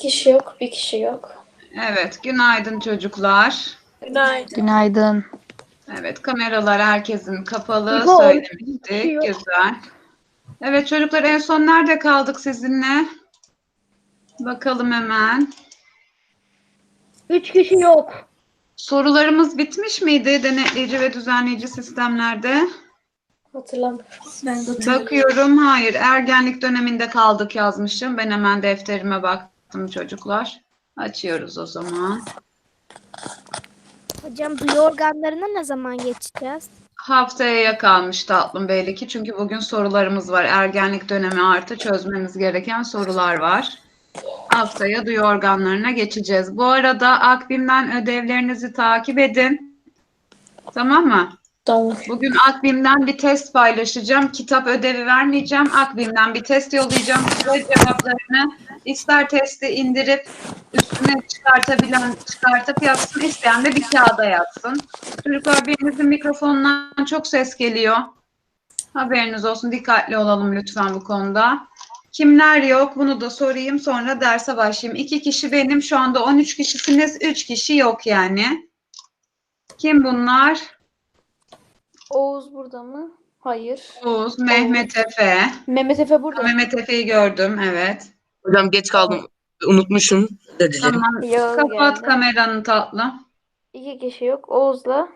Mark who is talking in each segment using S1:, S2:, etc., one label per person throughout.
S1: kişi yok, bir kişi yok.
S2: Evet, günaydın çocuklar.
S1: Günaydın.
S3: Günaydın.
S2: Evet, kameralar herkesin kapalı
S4: İbo,
S2: söylemiştik.
S4: yok.
S2: Güzel. Evet çocuklar, en son nerede kaldık sizinle? Bakalım hemen.
S4: 3 kişi yok.
S2: Sorularımız bitmiş miydi denetleyici ve düzenleyici sistemlerde?
S1: Hatırlamıyorum. Ben de
S2: Bakıyorum, hayır. Ergenlik döneminde kaldık yazmışım. Ben hemen defterime baktım çocuklar. Açıyoruz o zaman.
S5: Hocam duyu organlarına ne zaman geçeceğiz?
S2: Haftaya kalmış tatlım belli ki. Çünkü bugün sorularımız var. Ergenlik dönemi artı çözmemiz gereken sorular var. Haftaya duyu organlarına geçeceğiz. Bu arada Akbim'den ödevlerinizi takip edin. Tamam mı?
S1: Tamam.
S2: Bugün Akbim'den bir test paylaşacağım. Kitap ödevi vermeyeceğim. Akbim'den bir test yollayacağım. Size cevaplarını ister testi indirip üstüne çıkartıp yapsın. İsteyen de bir kağıda yazsın. Çocuklar, birinizin mikrofonundan çok ses geliyor. Haberiniz olsun. Dikkatli olalım lütfen bu konuda. Kimler yok? Bunu da sorayım, sonra derse başlayayım. 2 kişi benim. Şu anda 13 kişisiniz. 3 kişi yok yani. Kim bunlar?
S1: Oğuz burada mı? Hayır.
S2: Oğuz, Mehmet Efe.
S1: Mehmet Efe burada.
S2: Mehmet Efe'yi gördüm, evet.
S6: Hocam geç kaldım. Unutmuşum. Özür dilerim.
S2: Tamam,
S1: Yağız
S2: kapat
S1: geldi.
S2: kameranı tatlım.
S1: 2 kişi yok. Oğuz'la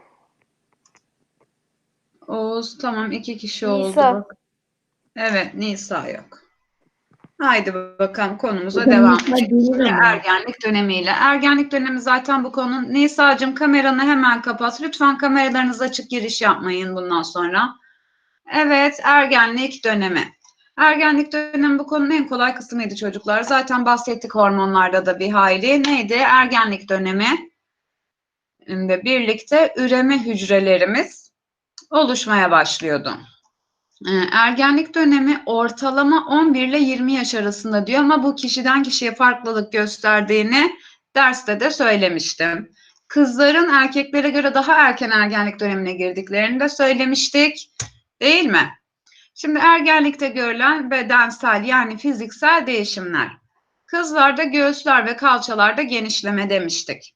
S2: Oğuz, tamam, 2 kişi oldu.
S1: Nisa.
S2: Bak. Evet, Nisa yok. Haydi bakalım, konumuza devam edelim. Ergenlik dönemiyle. Ergenlik dönemi zaten bu konu. Nisa'cığım, kameranı hemen kapat. Lütfen kameralarınız açık, giriş yapmayın bundan sonra. Evet, ergenlik dönemi. Ergenlik dönemi bu konunun en kolay kısmıydı çocuklar. Zaten bahsettik hormonlarda da bir hayli. Neydi? Ergenlik dönemi ile birlikte üreme hücrelerimiz oluşmaya başlıyordu. Ergenlik dönemi ortalama 11 ile 20 yaş arasında diyor ama bu kişiden kişiye farklılık gösterdiğini derste de söylemiştim. Kızların erkeklere göre daha erken ergenlik dönemine girdiklerini de söylemiştik, değil mi? Şimdi ergenlikte görülen bedensel yani fiziksel değişimler. Kızlarda göğüsler ve kalçalarda genişleme demiştik.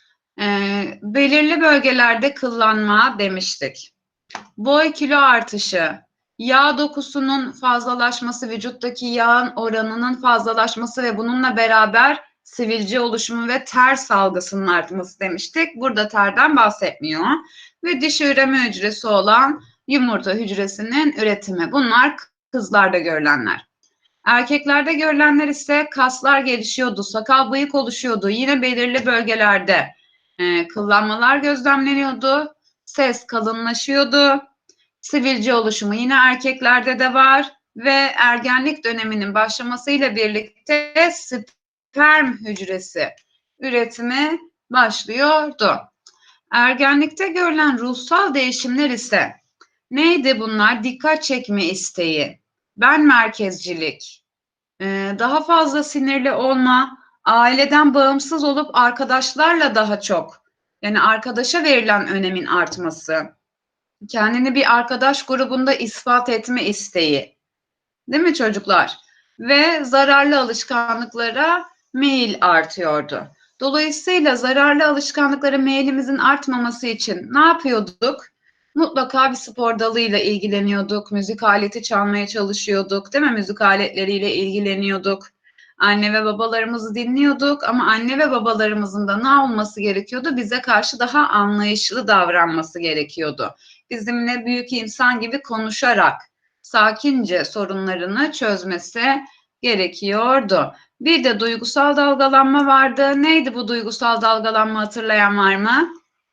S2: Belirli bölgelerde kıllanma demiştik. Boy kilo artışı, yağ dokusunun fazlalaşması, vücuttaki yağın oranının fazlalaşması ve bununla beraber sivilce oluşumu ve ter salgısının artması demiştik. Burada terden bahsetmiyor. Ve dişi üreme hücresi olan yumurta hücresinin üretimi. Bunlar kızlarda görülenler. Erkeklerde görülenler ise kaslar gelişiyordu, sakal bıyık oluşuyordu. Yine belirli bölgelerde kıllanmalar gözlemleniyordu. Ses kalınlaşıyordu. Sivilce oluşumu yine erkeklerde de var ve ergenlik döneminin başlamasıyla birlikte sperm hücresi üretimi başlıyordu. Ergenlikte görülen ruhsal değişimler ise neydi bunlar? Dikkat çekme isteği, ben merkezcilik, daha fazla sinirli olma, aileden bağımsız olup arkadaşlarla daha çok, yani arkadaşa verilen önemin artması, kendini bir arkadaş grubunda ispat etme isteği, değil mi çocuklar? Ve zararlı alışkanlıklara meyil artıyordu. Dolayısıyla zararlı alışkanlıklara meyilimizin artmaması için ne yapıyorduk? Mutlaka bir spor dalıyla ilgileniyorduk, müzik aleti çalmaya çalışıyorduk, değil mi? Müzik aletleriyle ilgileniyorduk. Anne ve babalarımızı dinliyorduk ama anne ve babalarımızın da ne olması gerekiyordu? Bize karşı daha anlayışlı davranması gerekiyordu. Bizimle büyük insan gibi konuşarak, sakince sorunlarını çözmesi gerekiyordu. Bir de duygusal dalgalanma vardı. Neydi bu duygusal dalgalanma, hatırlayan var mı?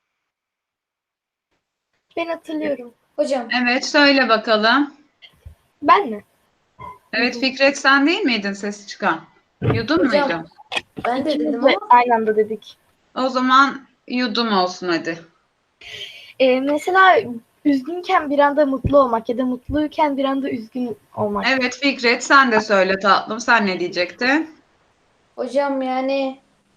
S4: Ben hatırlıyorum.
S1: Hocam.
S2: Evet, söyle bakalım.
S4: Ben mi?
S2: Evet Fikret, sen değil miydin sesi çıkan? Yudum
S1: Hocam.
S2: muydu?
S1: Ben de
S4: İkimiz
S1: dedim
S4: de
S1: ama
S4: aynı anda dedik.
S2: O zaman yudum olsun hadi.
S4: Mesela üzgünken bir anda mutlu olmak ya da mutluyken bir anda üzgün olmak.
S2: Evet Fikret, sen de söyle tatlım. Sen ne diyecektin?
S1: hocam yani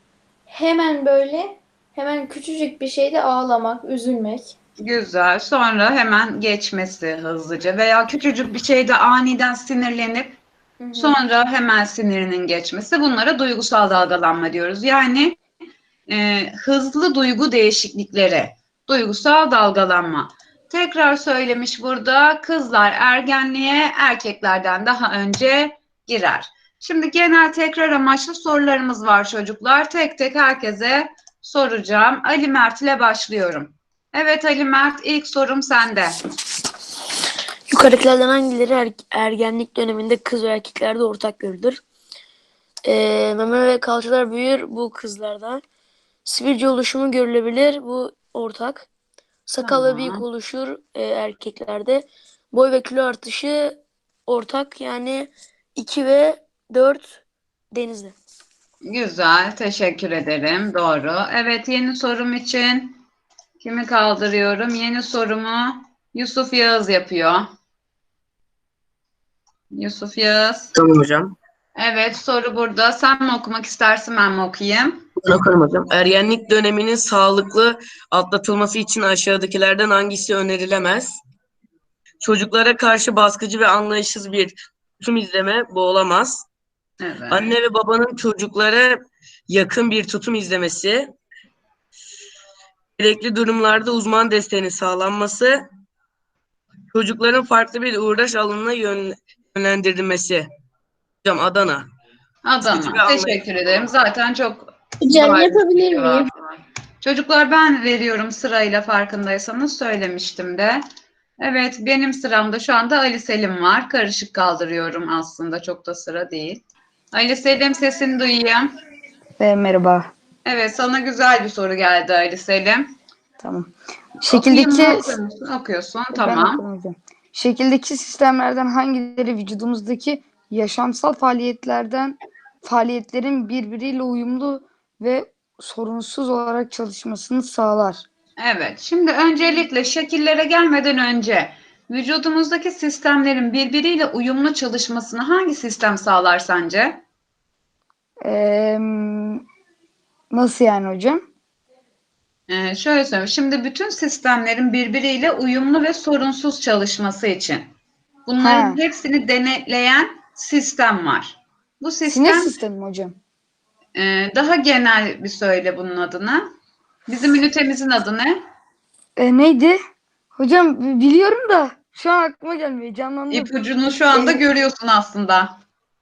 S1: hemen küçücük bir şeyde ağlamak, üzülmek.
S2: Güzel. Sonra hemen geçmesi hızlıca veya küçücük bir şeyde aniden sinirlenip
S1: Hı hı.
S2: Sonra hemen sinirinin geçmesi. Bunlara duygusal dalgalanma diyoruz. Yani hızlı duygu değişiklikleri, duygusal dalgalanma. Tekrar söylemiş burada, kızlar ergenliğe erkeklerden daha önce girer. Şimdi genel tekrar amaçlı sorularımız var çocuklar. Tek tek herkese soracağım. Ali Mert ile başlıyorum. Evet Ali Mert, ilk sorum sende.
S3: Yukarıdakilerden hangileri ergenlik döneminde kız ve erkeklerde ortak görülür? Meme ve kalçalar büyür bu kızlarda. Sivilce oluşumu görülebilir bu ortak. Sakal ve bıyık
S2: Tamam.
S3: oluşur erkeklerde. Boy ve kilo artışı ortak, yani 2 ve 4 Denizli.
S2: Güzel, teşekkür ederim. Doğru. Evet, yeni sorum için kimi kaldırıyorum? Yeni sorumu Yusuf Yağız yapıyor. Yusuf Yağız.
S6: Tamam hocam.
S2: Evet, soru burada. Sen mi okumak istersin, ben mi okuyayım?
S6: Ben okurum hocam. Ergenlik döneminin sağlıklı atlatılması için aşağıdakilerden hangisi önerilemez? Çocuklara karşı baskıcı ve anlayışsız bir tutum izleme bu olamaz.
S2: Evet.
S6: Anne ve babanın çocuklara yakın bir tutum izlemesi, gerekli durumlarda uzman desteğinin sağlanması, çocukların farklı bir uğraş alanına yönlendirilmesi. Hocam Adana. Baskıcı ve
S2: Adana. Teşekkür ederim. Zaten çok
S7: Hocam
S2: bariz bir
S7: yapabilir
S2: cevap
S7: miyim?
S2: var. Çocuklar ben veriyorum sırayla, farkındaysanız söylemiştim de. Evet, benim sıramda şu anda Ali Selim var. Karışık kaldırıyorum aslında. Çok da sıra değil. Ali Selim, sesini duyayım.
S8: Merhaba.
S2: Evet, sana güzel bir soru geldi Ali Selim.
S8: Tamam.
S2: Okuyayım
S8: Şekildeki
S2: mı, okur musun? Okuyorsun.
S8: ben
S2: Tamam.
S8: okurum hocam. Şekildeki sistemlerden hangileri vücudumuzdaki yaşamsal faaliyetlerin birbiriyle uyumlu ve sorunsuz olarak çalışmasını sağlar?
S2: Evet, şimdi öncelikle şekillere gelmeden önce vücudumuzdaki sistemlerin birbiriyle uyumlu çalışmasını hangi sistem sağlar sence?
S8: Ee, Nasıl yani hocam?
S2: Şöyle söyleyeyim. Şimdi bütün sistemlerin birbiriyle uyumlu ve sorunsuz çalışması için bunların
S8: Ha.
S2: hepsini denetleyen sistem var. Bu
S8: Sinir
S2: sistem
S8: sistemi mi hocam?
S2: daha genel bir söyle bunun adını. Bizim ünitemizin adı ne?
S8: Neydi? Hocam biliyorum da şu an aklıma gelmiyor. Canlandı.
S2: İpucunu şu anda görüyorsun aslında.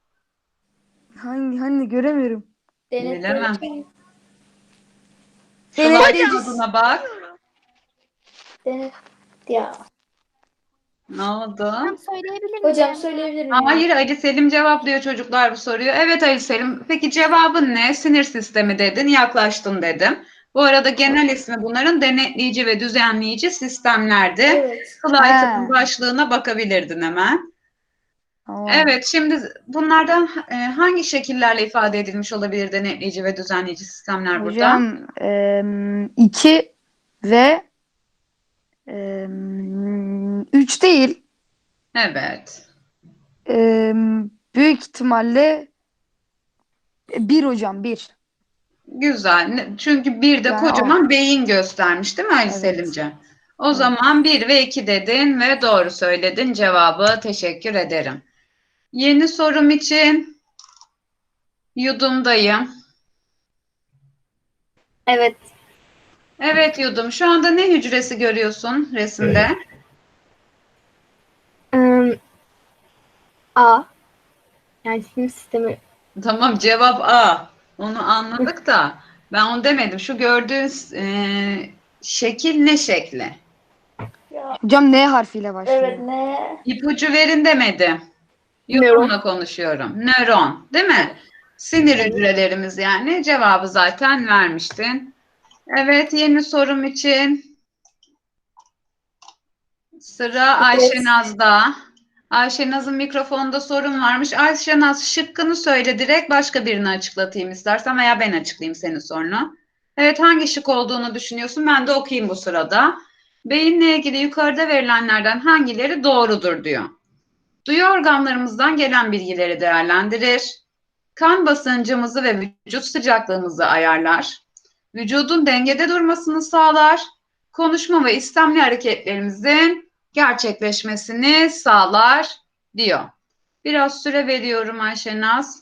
S8: Hani göremiyorum.
S2: Bilemem.
S8: Denetleyici.
S2: Slide adına bak.
S1: Denet. Ya.
S2: Ne oldu?
S5: Hocam söyleyebilir miyim?
S1: Hocam söyleyebilir miyim?
S2: Hayır, Ali Selim cevaplıyor çocuklar bu soruyu. Evet Ali Selim. Peki cevabın ne? Sinir sistemi dedin, yaklaştın dedim. Bu arada genel ismi bunların denetleyici ve düzenleyici sistemlerdi.
S1: Evet.
S2: Slaytın başlığına bakabilirdin hemen.
S8: Tamam.
S2: Evet, şimdi bunlardan hangi şekillerle ifade edilmiş olabilir denetleyici ve düzenleyici sistemler burada?
S8: Hocam 2 ve 3 değil.
S2: Evet.
S8: Büyük ihtimalle 1 hocam 1.
S2: Güzel. Çünkü bir de
S8: Yani
S2: kocaman beyin göstermiş değil mi Ali
S8: Evet.
S2: Selimciğim? O zaman 1 ve 2 dedin ve doğru söyledin cevabı. Teşekkür ederim. Yeni sorum için Yudum'dayım.
S4: Evet.
S2: Evet Yudum. Şu anda ne hücresi görüyorsun resimde?
S4: A. Yani sinir sistemi.
S2: Tamam, cevap A. Onu anladık da ben onu demedim. Şu gördüğün şekil ne şekli?
S8: hocam N harfiyle başlıyor.
S1: Evet ne?
S2: İpucu verin demedim. Yudum'la konuşuyorum. Nöron, değil mi? Sinir hücrelerimiz yani. Cevabı zaten vermiştin. Evet, yeni sorum için sıra Ayşenaz'da. Ayşenaz'ın mikrofonda sorun varmış. Ayşenaz, şıkkını söyle, direkt başka birini açıklatayım istersen veya ben açıklayayım senin sorunu. Evet, hangi şık olduğunu düşünüyorsun? Ben de okuyayım bu sırada. Beyinle ilgili yukarıda verilenlerden hangileri doğrudur diyor. Duyu organlarımızdan gelen bilgileri değerlendirir. Kan basıncımızı ve vücut sıcaklığımızı ayarlar. Vücudun dengede durmasını sağlar. Konuşma ve istemli hareketlerimizin gerçekleşmesini sağlar diyor. Biraz süre veriyorum Ayşenaz.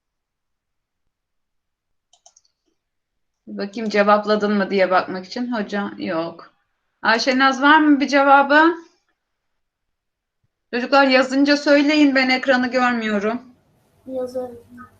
S2: Bakayım cevapladın mı diye bakmak için. Hocam yok. Ayşenaz var mı bir cevabı? Çocuklar yazınca söyleyin, ben ekranı görmüyorum.
S1: Yazarım.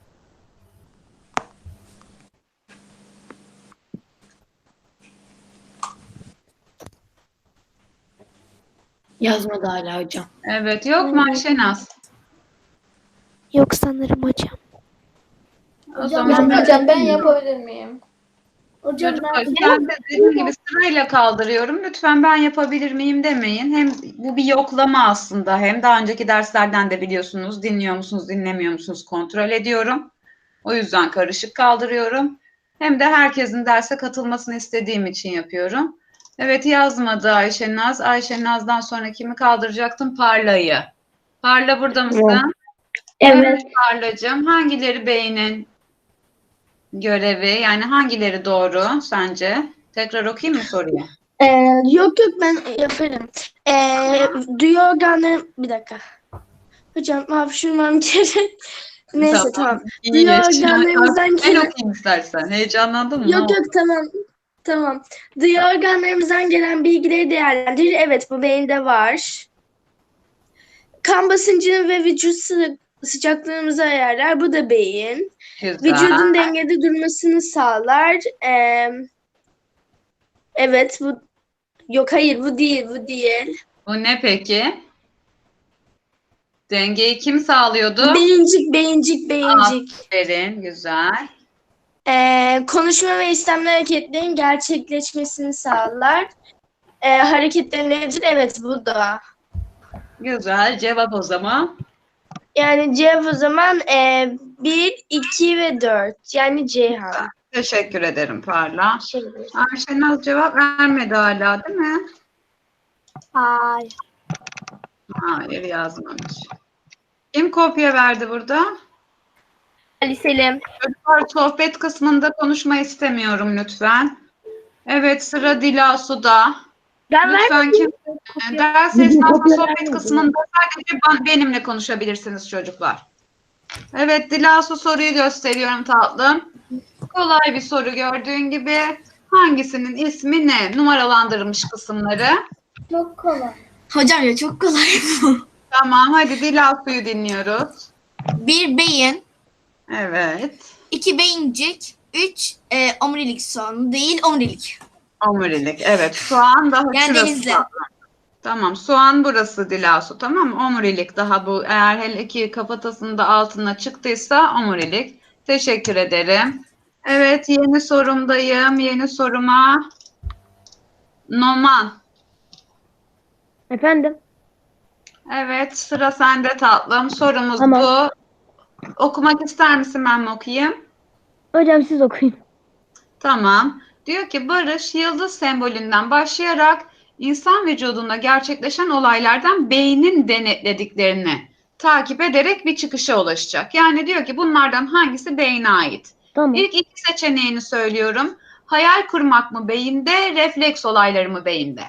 S3: Yazmadı hala hocam.
S2: Evet, yok mu Ayşenaz?
S5: Yok sanırım hocam.
S2: O zaman
S1: Hocam ben yapabilir miyim? Hocam
S2: çocuklar,
S1: ben
S2: ben de dediğim gibi sırayla kaldırıyorum. Lütfen ben yapabilir miyim demeyin. Hem bu bir yoklama aslında. Hem daha önceki derslerden de biliyorsunuz, dinliyor musunuz, dinlemiyor musunuz kontrol ediyorum. O yüzden karışık kaldırıyorum. Hem de herkesin derse katılmasını istediğim için yapıyorum. Evet, yazmadı Ayşenaz. Ayşenaz'dan sonra kimi kaldıracaktım? Parla'yı. Parla burada mısın? Evet Parla'cığım. Hangileri beynin görevi? Yani hangileri doğru sence? Tekrar okuyayım mı soruyu?
S7: Yok ben yaparım. Duyu organları bir dakika. Hocam hapşurmam gerek. Neyse tamam.
S2: İyi.
S7: Duyu organlarımızdan
S2: Ben
S7: gelen
S2: okuyayım istersen. Heyecanlandın mı? Ne
S7: yok
S2: oldu?
S7: yok tamam. Duyu organlarımızdan gelen bilgileri değerlendirir. Evet bu beyinde var. Kan basıncını ve vücut sıcaklığımızı ayarlar. Bu da beyin.
S2: Güzel.
S7: Vücudun dengede durmasını sağlar. Evet bu yok hayır bu değil.
S2: Bu ne peki? Dengeyi kim sağlıyordu?
S7: Beyincik.
S2: Aferin, güzel.
S7: Konuşma ve istemli hareketlerin gerçekleşmesini sağlar. Hareketlenir. Evet bu da.
S2: Güzel. Cevap o zaman.
S7: Yani cevap o zaman 1, 2 ve 4. Yani Ceyhan.
S2: Teşekkür ederim Parla.
S7: Şey,
S2: Ayşenaz cevap vermedi hala, değil mi?
S4: Hayır.
S2: Hayır, yazmamış. Kim kopya verdi burada?
S4: Ali Selim.
S2: Çocuklar, sohbet kısmında konuşma istemiyorum lütfen. Evet, sıra Dilasu'da.
S4: Ben
S2: Lütfen kim ders esnasında sohbet kısmında sadece benimle konuşabilirsiniz çocuklar. Evet, Dilasu soruyu gösteriyorum tatlım. Kolay bir soru gördüğün gibi. Hangisinin ismi ne? Numaralandırılmış kısımları.
S1: çok kolay.
S9: Hocam ya çok kolay bu.
S2: Tamam, hadi Dilasu'yu dinliyoruz.
S9: 1 beyin,
S2: Evet.
S9: 2 beyincik, 3 omurilik soğanı değil omurilik.
S2: Omurilik. Evet. Soğan daha
S9: Yani
S2: şurası.
S9: denizli.
S2: Tamam. Soğan burası Dilasu. Tamam mı? Omurilik daha bu. Eğer hele ki kafatasının da altına çıktıysa omurilik. Teşekkür ederim. Evet. Yeni sorumdayım. Yeni soruma. Noman.
S8: Efendim?
S2: Evet. Sıra sende tatlım. Sorumuz
S8: Tamam.
S2: bu. Okumak ister misin, ben mi okuyayım?
S8: Hocam siz okuyun.
S2: Tamam. Diyor ki Barış yıldız sembolünden başlayarak insan vücudunda gerçekleşen olaylardan beynin denetlediklerini takip ederek bir çıkışa ulaşacak. Yani diyor ki bunlardan hangisi beyne ait?
S8: Tamam.
S2: İlk iki seçeneğini söylüyorum. Hayal kurmak mı beyinde, refleks olayları mı beyinde?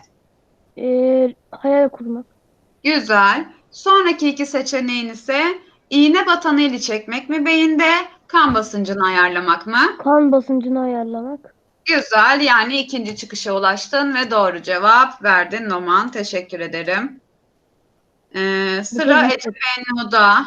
S8: Hayal kurmak.
S2: Güzel. Sonraki iki seçeneğin ise iğne batan eli çekmek mi beyinde, kan basıncını ayarlamak mı?
S8: Kan basıncını ayarlamak.
S2: Güzel, yani ikinci çıkışa ulaştın ve doğru cevap verdin Noman. Teşekkür ederim. Sıra Ece Bennu'da.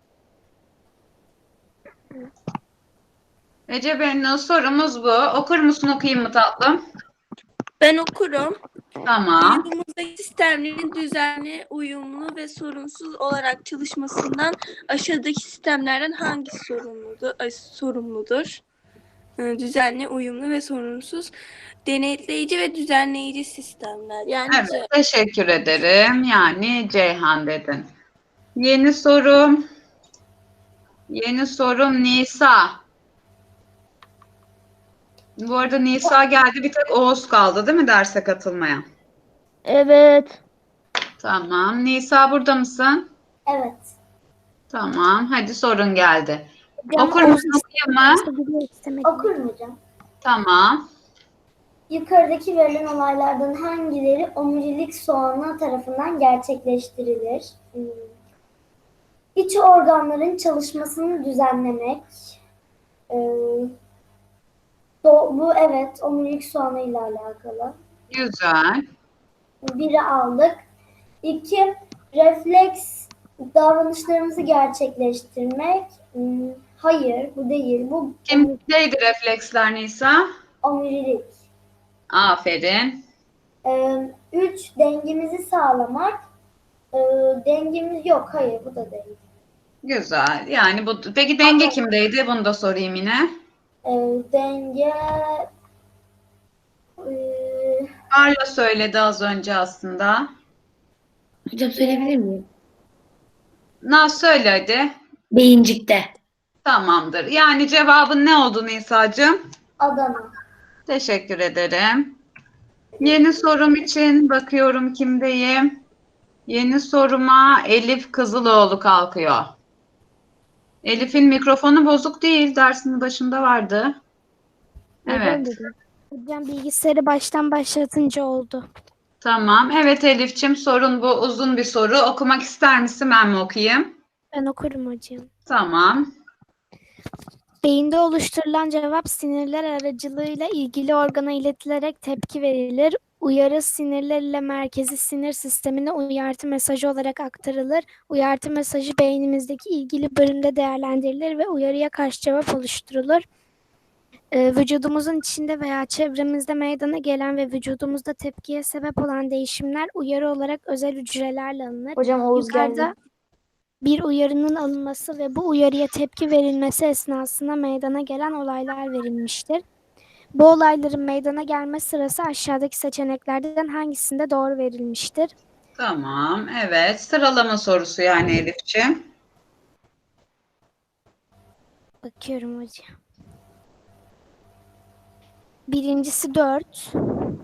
S2: Ece Bennu, sorumuz bu. Okur musun, okuyayım mı tatlım?
S10: Ben okurum.
S2: Tamam.
S10: Vücudumuzdaki sistemlerin düzenli, uyumlu ve sorunsuz olarak çalışmasından aşağıdaki sistemlerden hangisi sorumludur? Düzenli, uyumlu ve sorunsuz denetleyici ve düzenleyici sistemler. Yani
S2: Evet, teşekkür ederim. Yani Ceyhan dedin. Yeni sorum. Yeni sorum Nisa. Bu arada Nisa geldi, bir tek Oğuz kaldı değil mi derse katılmayan?
S8: Evet.
S2: Tamam. Nisa burada mısın?
S1: Evet.
S2: Tamam. Hadi sorun geldi.
S5: Hocam,
S2: Okur musun, okuyayım mı?
S1: Okurum hocam.
S2: Tamam.
S1: Yukarıdaki verilen olaylardan hangileri omurilik soğanı tarafından gerçekleştirilir? İç organların çalışmasını düzenlemek. Ee, bu evet omurilik soğanı ile alakalı.
S2: Güzel.
S1: Biri aldık. 2. Refleks davranışlarımızı gerçekleştirmek. Hayır, bu değil. Bu
S2: Kimdeydi refleksler Nisa?
S1: omurilik.
S2: Aferin.
S1: 3. Dengemizi sağlamak. Dengemiz yok. Hayır, bu da değil.
S2: Güzel. Yani bu. Peki denge kimdeydi? Bunu da sorayım yine.
S1: Denge
S2: Carla söyledi az önce aslında.
S8: Hocam söyleyebilir miyim?
S2: Naz söyle hadi.
S8: Beyincikte.
S2: Tamamdır. Yani cevabın ne oldu Nisa'cığım?
S1: Adana.
S2: Teşekkür ederim. Yeni sorum için bakıyorum kimdeyim. Yeni soruma Elif Kızıloğlu kalkıyor. Elif'in mikrofonu bozuk değil. Dersinin başında vardı. Evet.
S5: Hocam bilgisayarı baştan başlatınca oldu.
S2: Tamam. Evet Elif'ciğim sorun bu. Uzun bir soru. Okumak ister misin? Ben mi okuyayım?
S5: Ben okurum hocam.
S2: Tamam.
S5: Beyinde oluşturulan cevap sinirler aracılığıyla ilgili organa iletilerek tepki verilir. Uyarı sinirler ile merkezi sinir sistemine uyartı mesajı olarak aktarılır. Uyartı mesajı beynimizdeki ilgili bölümde değerlendirilir ve uyarıya karşı cevap oluşturulur. Vücudumuzun içinde veya çevremizde meydana gelen ve vücudumuzda tepkiye sebep olan değişimler uyarı olarak özel hücrelerle alınır.
S8: Hocam Oğuz
S5: Yukarıda
S8: geldi.
S5: bir uyarının alınması ve bu uyarıya tepki verilmesi esnasında meydana gelen olaylar verilmiştir. Bu olayların meydana gelme sırası aşağıdaki seçeneklerden hangisinde doğru verilmiştir?
S2: Tamam. Evet. Sıralama sorusu yani Elif'ciğim.
S5: Bakıyorum hocam. Birincisi 4.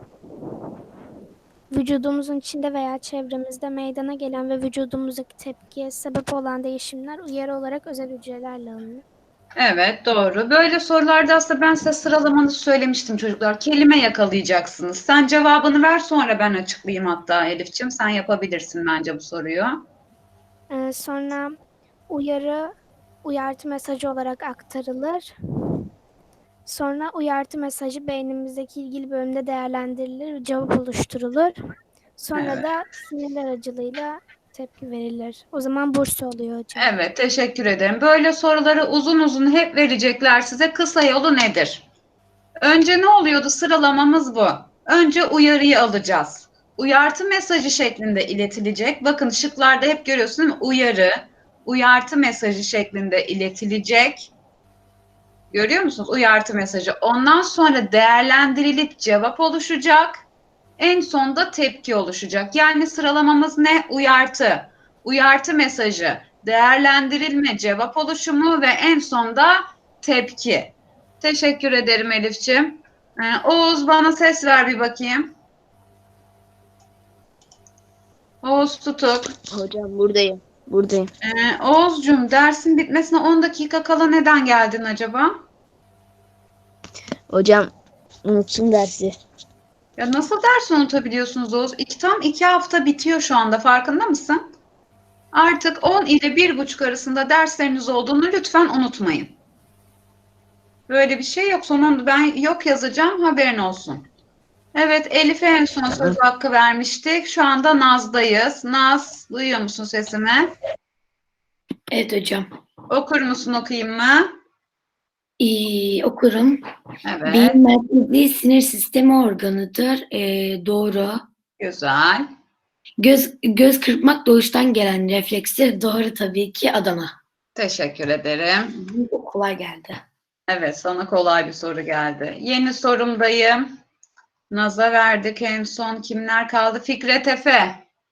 S5: Vücudumuzun içinde veya çevremizde meydana gelen ve vücudumuzdaki tepkiye sebep olan değişimler uyarı olarak özel hücrelerle alınır.
S2: Evet doğru. Böyle sorularda aslında ben size sıralamanızı söylemiştim çocuklar. Kelime yakalayacaksınız. Sen cevabını ver sonra ben açıklayayım hatta Elif'ciğim. Sen yapabilirsin bence bu soruyu.
S5: Sonra uyartı mesajı olarak aktarılır. Sonra uyartı mesajı beynimizdeki ilgili bölümde değerlendirilir, cevap oluşturulur. Sonra
S2: Evet.
S5: da sinirler aracılığıyla tepki verilir. O zaman burs oluyor hocam.
S2: Evet teşekkür ederim. Böyle soruları uzun uzun hep verecekler size. Kısa yolu nedir? Önce ne oluyordu? Sıralamamız bu. Önce uyarıyı alacağız. Uyartı mesajı şeklinde iletilecek. Bakın şıklarda hep görüyorsunuz değil mi? Uyarı, uyartı mesajı şeklinde iletilecek. Görüyor musunuz? Uyartı mesajı. Ondan sonra değerlendirilip cevap oluşacak. En sonda tepki oluşacak. Yani sıralamamız ne? Uyartı, uyartı mesajı, değerlendirilme, cevap oluşumu ve en sonda tepki. Teşekkür ederim Elif'ciğim. Oğuz bana ses ver bir bakayım. Oğuz Tutuk.
S11: Hocam buradayım. Buradayım.
S2: Oğuzcuğum dersin bitmesine 10 dakika kala neden geldin acaba?
S11: Hocam unuttum dersi.
S2: Ya nasıl ders unutabiliyorsunuz Oğuz? Tam 2 hafta bitiyor şu anda farkında mısın? Artık 10 ile 1,5 arasında dersleriniz olduğunu lütfen unutmayın. Böyle bir şey yok. Sonunda ben yok yazacağım haberin olsun. Evet Elif'e en son söz hakkı vermiştik. Şu anda Naz'dayız. Naz duyuyor musun sesimi?
S8: Evet hocam.
S2: Okur musun okuyayım mı?
S8: Okurum.
S2: Evet.
S8: Beyin merkezli sinir sistemi organıdır. Doğru.
S2: Güzel.
S8: Göz kırpmak doğuştan gelen reflekstir. Doğru tabii ki Adana.
S2: Teşekkür ederim.
S8: Bu kolay geldi.
S2: Evet sana kolay bir soru geldi. Yeni sorumdayım. Naz'a verdik en son. Kimler kaldı? Fikret Efe.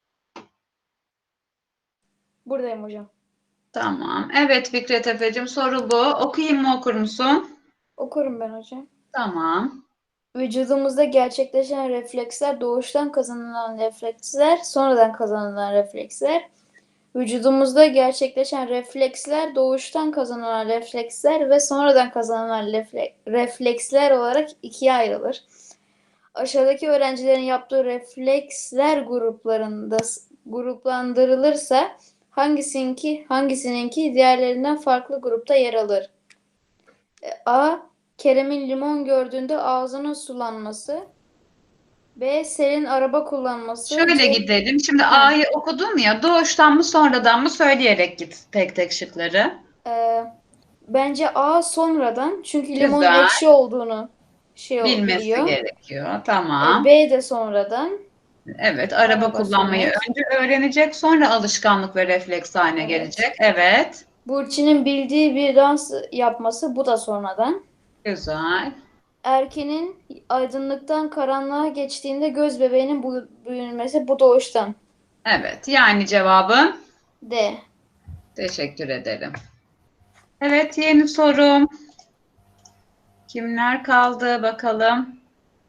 S12: Buradayım hocam.
S2: Tamam. Evet Fikret Efe'cim soru bu. Okuyayım mı okur musun?
S12: Okurum ben hocam.
S2: Tamam.
S12: Vücudumuzda gerçekleşen refleksler doğuştan kazanılan refleksler, sonradan kazanılan refleksler. Vücudumuzda gerçekleşen refleksler doğuştan kazanılan refleksler ve sonradan kazanılan refleksler olarak ikiye ayrılır. Aşağıdaki öğrencilerin yaptığı refleksler gruplandırılırsa hangisininki diğerlerinden farklı grupta yer alır? A. Kerem'in limon gördüğünde ağzının sulanması. B. Selin araba kullanması.
S2: Şöyle
S12: C.
S2: gidelim. Şimdi A'yı okudum ya. Doğuştan mı sonradan mı söyleyerek git tek tek şıkları.
S12: Bence A sonradan. Çünkü limonun
S2: Güzel.
S12: ekşi olduğunu
S2: Bilmesi
S12: biliyor.
S2: gerekiyor. Tamam.
S12: B de sonradan.
S2: Evet, araba kullanmayı
S12: sürmek.
S2: önce öğrenecek, sonra alışkanlık ve refleks haline
S12: Evet.
S2: gelecek. Evet,
S12: Burçin'in bildiği bir dans yapması, bu da sonradan.
S2: güzel.
S12: Erkenin aydınlıktan karanlığa geçtiğinde göz bebeğinin büyümesi, bu doğuştan.
S2: Evet, yani cevabın
S12: D.
S2: teşekkür ederim. Evet, yeni sorum. Kimler kaldı bakalım?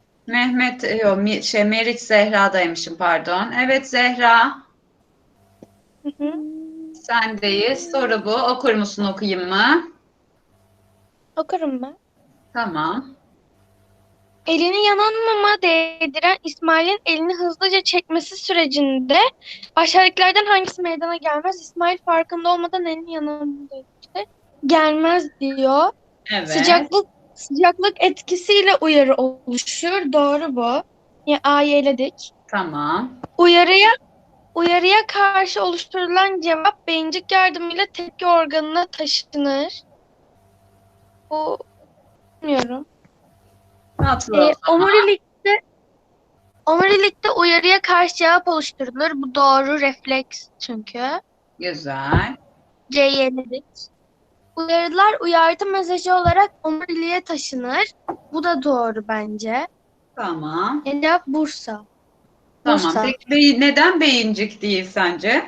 S2: Meriç Zehra'daymışım, pardon. Evet Zehra, sendeyiz. Soru bu. Okur musun, okuyayım mı?
S13: Okurum ben.
S2: Tamam.
S13: Elini yanan muma değdiren İsmail'in elini hızlıca çekmesi sürecinde aşağıdakilerden hangisi meydana gelmez? İsmail farkında olmadan elini yanan gelmez diyor.
S2: Evet.
S13: Sıcaklık etkisiyle uyarı oluşur. Doğru bu. Ya A'yı eledik.
S2: Tamam.
S13: Uyarıya karşı oluşturulan cevap beyincik yardımıyla tepki organına taşınır. Bu bilmiyorum.
S2: Tatlı.
S13: Omurilikte uyarıya karşı cevap oluşturulur. Bu doğru, refleks çünkü.
S2: Güzel.
S13: C'yi eledik. Uyarılar uyarı mesajı olarak omuriliğe taşınır. Bu da doğru bence.
S2: Tamam.
S13: Cevap Bursa.
S2: Tamam.
S13: Bursa.
S2: Peki neden beyincik değil sence?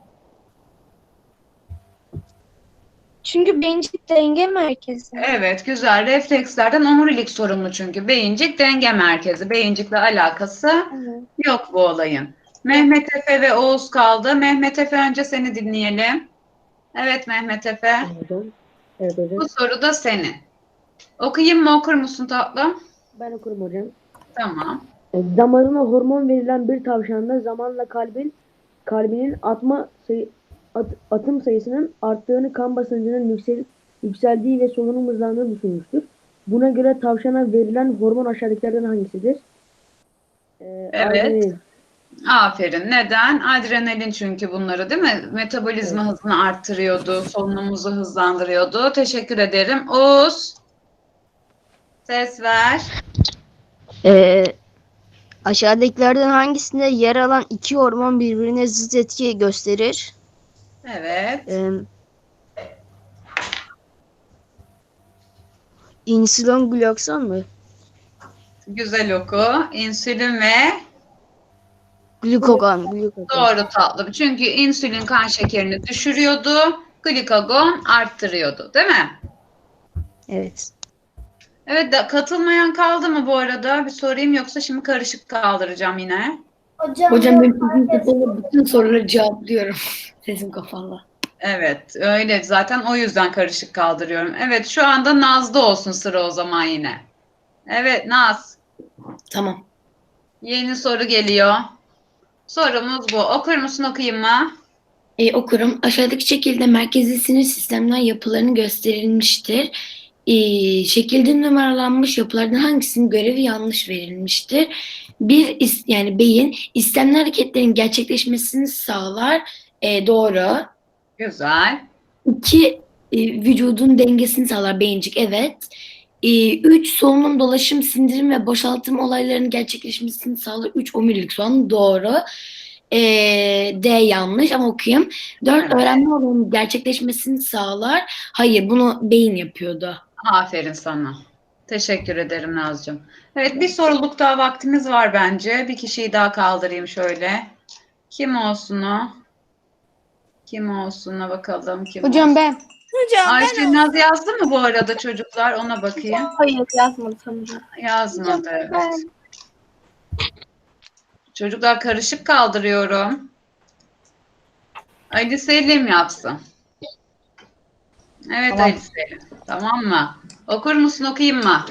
S13: Çünkü beyincik denge merkezi.
S2: Evet, güzel. Reflekslerden omurilik sorumlu çünkü. Beyincik denge merkezi. Beyincikle alakası
S13: Evet.
S2: yok bu olayın. Mehmet Efe ve Oğuz kaldı. Mehmet Efe, önce seni dinleyelim. Evet Mehmet Efe.
S11: Evet hocam.
S2: Bu soru da senin. Okuyayım mı, okur musun tatlım?
S11: Ben okurum hocam.
S2: Tamam.
S11: Damarına hormon verilen bir tavşanda zamanla kalbinin atım sayısının arttığını, kan basıncının yükseldiği ve solunum hızlandığını düşünmüştür. Buna göre tavşana verilen hormon aşağıdakilerden hangisidir?
S2: Evet.
S11: Adrenalin.
S2: Aferin. Neden? Adrenalin, çünkü bunları değil mi? Metabolizma hızını arttırıyordu, solunumumuzu hızlandırıyordu. Teşekkür ederim. Oğuz, ses ver.
S11: Aşağıdakilerden hangisinde yer alan iki hormon birbirine zıt etki gösterir?
S2: Evet.
S11: İnsülin glukon mu?
S2: Güzel oku. İnsülin ve
S11: Glukagon.
S2: doğru tatlım. Çünkü insülin kan şekerini düşürüyordu. Glikagon arttırıyordu. Değil mi?
S11: Evet.
S2: Evet, katılmayan kaldı mı bu arada? Bir sorayım, yoksa şimdi karışık kaldıracağım yine.
S1: Hocam
S8: ben bütün soruları cevaplıyorum. Sesim kapalı.
S2: Evet, öyle. Zaten o yüzden karışık kaldırıyorum. Evet, şu anda Naz'da olsun sıra o zaman yine. Evet, Naz.
S8: Tamam.
S2: Yeni soru geliyor. Sorumuz bu. Okur musun, okuyayım mı?
S8: Okurum. Aşağıdaki şekilde merkezi sinir sistemler yapılarını gösterilmiştir. Şekilde numaralanmış yapılardan hangisinin görevi yanlış verilmiştir? Yani beyin istemli hareketlerin gerçekleşmesini sağlar. Doğru.
S2: Güzel.
S8: 2. Vücudun dengesini sağlar. Beyincik, evet. 3. Solunum, dolaşım, sindirim ve boşaltım olaylarının gerçekleşmesini sağlar. 3. Omurilik soğan, doğru. D yanlış ama okuyayım. 4.
S2: Evet.
S8: Öğrenme olayının gerçekleşmesini sağlar. Hayır, bunu beyin yapıyordu.
S2: Aferin sana. Teşekkür ederim Nazcığım. Evet, bir soruluk daha vaktimiz var bence. Bir kişiyi daha kaldırayım şöyle. Kim olsun o? Kim olsun'a bakalım. Kim
S8: Hocam
S2: olsun?
S8: ben.
S2: Ayşe Naz yazdı mı bu arada çocuklar? Ona bakayım.
S4: Hayır yazmadı sanırım.
S2: Yazmadı, evet. Çocuklar, karışık kaldırıyorum. Ali Selim yapsın. Evet
S8: Tamam.
S2: Ali Selim. Tamam mı? Okur musun, okuyayım mı?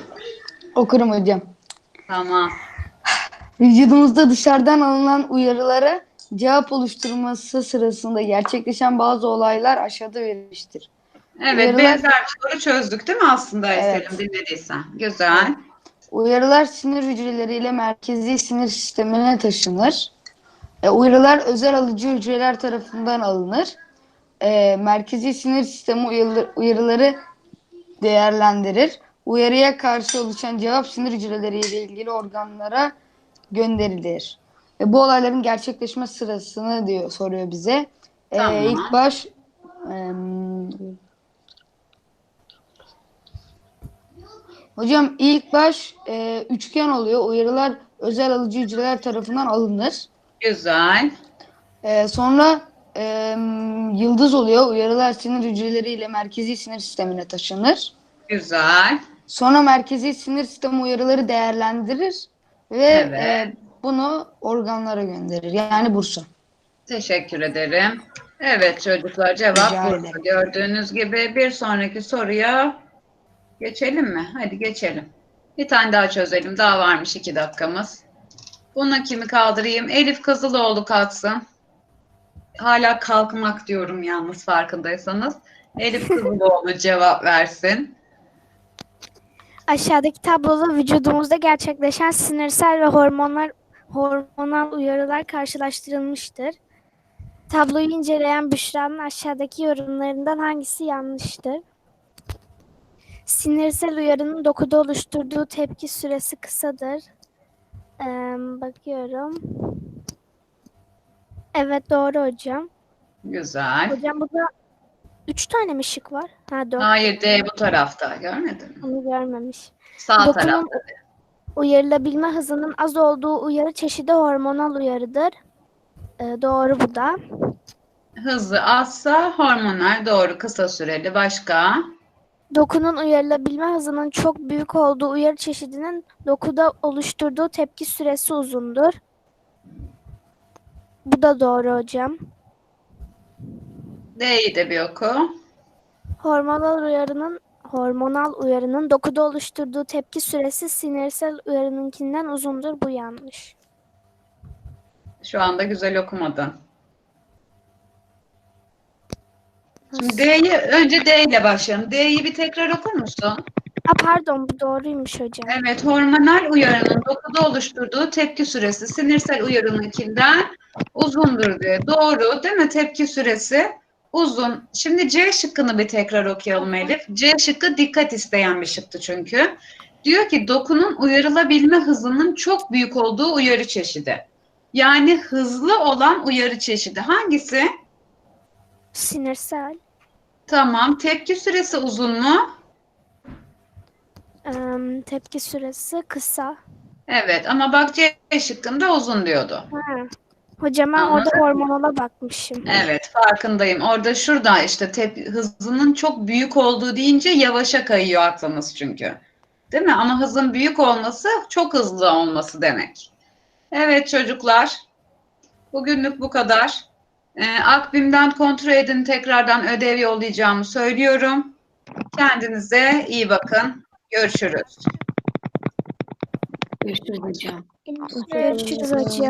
S8: Okurum hocam.
S2: Tamam.
S8: Vücudumuzda dışarıdan alınan uyarıları
S14: Cevap oluşturması sırasında gerçekleşen bazı olaylar aşağıda verilmiştir.
S2: Evet,
S14: Uyarılar-
S2: benzer bir soru çözdük değil mi aslında
S14: Evet.
S2: Selim, dinlediysen? Güzel.
S14: Uyarılar sinir hücreleriyle merkezi sinir sistemine taşınır. Uyarılar özel alıcı hücreler tarafından alınır. Merkezi sinir sistemi uyarıları değerlendirir. Uyarıya karşı oluşan cevap sinir hücreleriyle ilgili organlara gönderilir. Bu olayların gerçekleşme sırasını soruyor bize.
S2: Tamam.
S14: İlk baş hocam ilk baş üçgen oluyor. Uyarılar özel alıcı hücreler tarafından alınır.
S2: Güzel.
S14: Sonra yıldız oluyor. Uyarılar sinir hücreleriyle merkezi sinir sistemine taşınır.
S2: Güzel.
S14: Sonra merkezi sinir sistemi uyarıları değerlendirir ve
S2: Evet.
S14: bunu organlara gönderir. Yani bursa.
S2: Teşekkür ederim. Evet çocuklar, cevap
S14: Rica
S2: burada.
S14: ederim.
S2: Gördüğünüz gibi bir sonraki soruya geçelim mi? Hadi geçelim. Bir tane daha çözelim. Daha varmış 2 dakikamız. Bunu kimi kaldırayım? Elif Kızıloğlu kalksın. Hala kalkmak diyorum yalnız, farkındaysanız. Elif Kızıloğlu cevap versin.
S5: Aşağıdaki tabloda vücudumuzda gerçekleşen sinirsel ve hormonal uyarılar karşılaştırılmıştır. Tabloyu inceleyen Büşra'nın aşağıdaki yorumlarından hangisi yanlıştır? Sinirsel uyarının dokuda oluşturduğu tepki süresi kısadır. Bakıyorum. Evet, doğru hocam.
S2: Güzel.
S5: Hocam burada 3 tane mi şık var? Ha, 4.
S2: Hayır, D bu tarafta. Görmedin mi?
S5: Onu görmemiş.
S2: Sağ
S5: Dokunun
S2: tarafta.
S5: uyarılabilme hızının az olduğu uyarı çeşidi hormonal uyarıdır. Doğru bu da.
S2: Hızı azsa hormonal, doğru, kısa süreli. Başka?
S5: Dokunun uyarılabilme hızının çok büyük olduğu uyarı çeşidinin dokuda oluşturduğu tepki süresi uzundur. Bu da doğru hocam.
S2: D'yi de bir oku.
S5: Hormonal uyarının dokuda oluşturduğu tepki süresi sinirsel uyarınınkinden uzundur. Bu yanlış.
S2: Şu anda güzel okumadın. Şimdi önce D ile başlayalım. D'yi bir tekrar okur musun?
S5: Pardon, bu doğruymuş hocam.
S2: Evet, hormonal uyarının dokuda oluşturduğu tepki süresi sinirsel uyarınınkinden uzundur diyor. Doğru değil mi? Tepki süresi uzun. Şimdi C şıkkını bir tekrar okuyalım Elif. C şıkkı dikkat isteyen bir şıktı çünkü. Diyor ki dokunun uyarılabilme hızının çok büyük olduğu uyarı çeşidi. Yani hızlı olan uyarı çeşidi. Hangisi?
S5: Sinirsel.
S2: Tamam. Tepki süresi uzun mu?
S5: Tepki süresi kısa.
S2: Evet ama bak C şıkkında uzun diyordu.
S5: Hocam ben
S2: Anladım.
S5: orada hormonala bakmışım.
S2: Evet, farkındayım. Orada şurada işte hızının çok büyük olduğu deyince yavaşa kayıyor aklımız çünkü. Değil mi? Ama hızın büyük olması çok hızlı olması demek. Evet çocuklar. Bugünlük bu kadar. Akbim'den kontrol edin, tekrardan ödev yollayacağımı söylüyorum. Kendinize iyi bakın. Görüşürüz.
S8: Görüşürüz hocam.
S5: Görüşürüz hocam.